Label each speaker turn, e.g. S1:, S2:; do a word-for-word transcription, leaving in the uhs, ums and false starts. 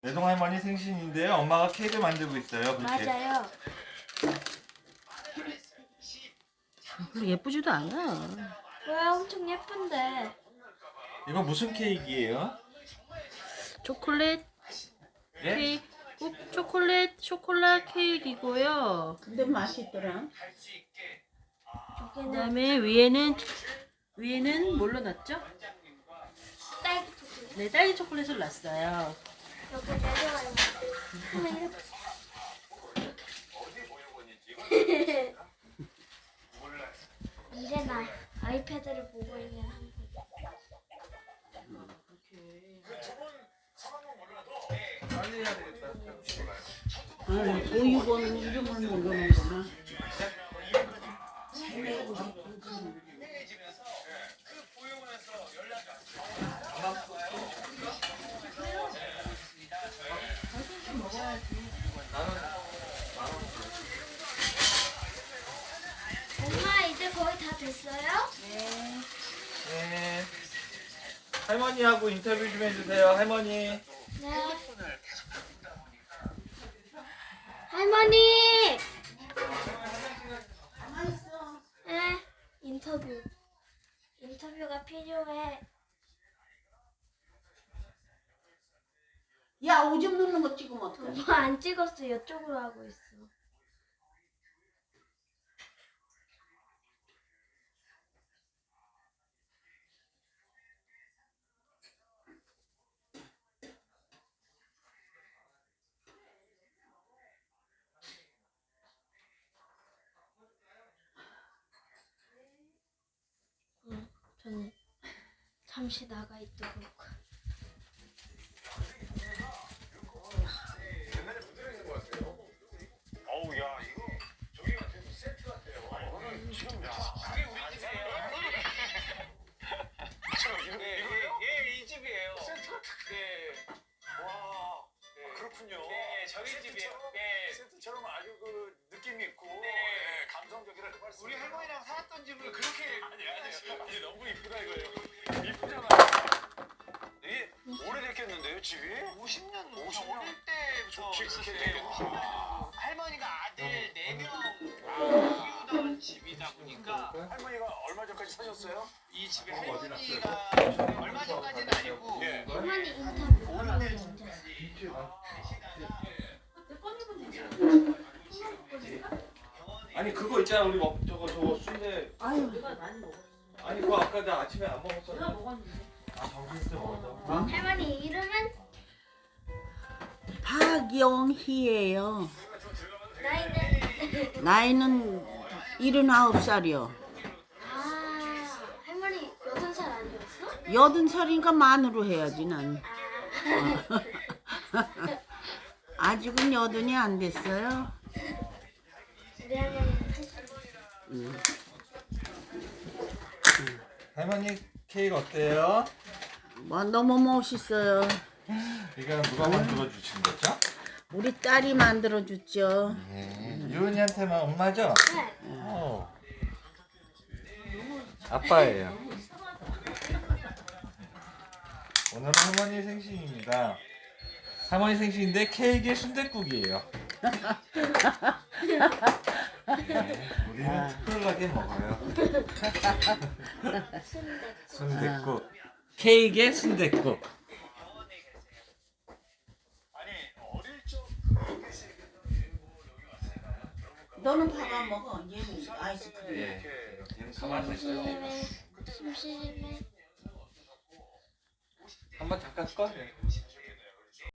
S1: 내동 할머니 생신인데요. 엄마가 케이크 만들고 있어요. 그렇게.
S2: 맞아요.
S3: 별로 예쁘지도 않아.
S2: 왜 엄청 예쁜데?
S1: 이거 무슨 케이크예요?
S3: 초콜릿
S1: 예?
S3: 케이크, 꼭 초콜릿 초콜릿 케이크이고요.
S4: 근데 맛있더라.
S2: 여기는
S3: 그다음에 위에는 위에는 뭘로 놨죠?
S2: 딸기 초콜릿.
S3: 네, 딸기 초콜릿을 놨어요.
S2: 여기 내려가요. 언제나 아이패드를 보고 있는 한국.
S4: 아, 오육원 이름을 모르는구나.
S2: 엄마 이제 거의 다 됐어요?
S1: 네. 할머니하고 인터뷰 좀 해주세요. 할머니.
S2: 네. 할머니. 네. 인터뷰. 인터뷰가 필요해.
S4: 야, 오줌 누는 거 찍으면 어떡해?
S2: 엄마 안 찍었어. 이쪽으로 하고 있어. 응, 저는 잠시 나가 있도록.
S5: 어우 야 이거 저기 같은 세트 같아요. 이거는 지금 야 그게 우리 집이에요. 이거 이거요? 예, 이 집이에요. 세트 같은. 네. 와. 네. 그렇군요. 네, 저희 집이에요. 네. 세트처럼 아주 그 느낌이 있고 네. 감성적이라 그 말씀. 우리 할머니랑 살았던 집을 그렇게 아니 아니 아니 너무 이쁘다 이거예요. 이쁘잖아. 이게 오래됐겠는데요 집이? 오십 년 오십 년 어릴 때부터 있었대요. 할머니가 아들 네 명 키우던 집이다 보니까 할머니가 얼마 전까지 사셨어요? 이 집에 할머니가 얼마 전까지는 아니고 예.
S2: 할머니 인터뷰.
S1: 아니 그거 있잖아 우리 먹 저거 저거 순대.
S4: 아유,
S1: 아니 그거 아까 나 아침에 안 먹었어.
S3: 내가 먹었는데.
S1: 아 점심때 먹었어.
S2: 할머니 이름은?
S4: 박영희예요.
S2: 나이는?
S4: 나이는 일흔아홉 살이요.
S2: 아, 할머니 여든 살 아니었어?
S4: 여든 살이니까 만으로 해야지 난.
S2: 아,
S4: 아직은 여든이 안 됐어요.
S2: 우리 할머니는 팔십.
S1: 할머니 케이크 어때요?
S4: 뭐 너무 멋있어요.
S1: 이거는 누가 만들어 주신 거죠?
S4: 우리 딸이 만들어 줬죠.
S1: 예. 유은이한테만 엄마죠?
S2: 네.
S1: 어. 아빠예요. 오늘은 할머니 생신입니다. 할머니 생신인데 케이크에 순댓국이에요. 네, 우리는 특별하게 먹어요.
S2: 순대.
S1: 순댓국. 케이크에 순댓국.
S5: 아니 어릴 적
S4: 너는 밥 안 먹어? 얘는 아이스크림.
S1: 예. 얘는 가만히 있어요.
S2: 심심해. 심심해.
S1: 한번 잠깐 꺼.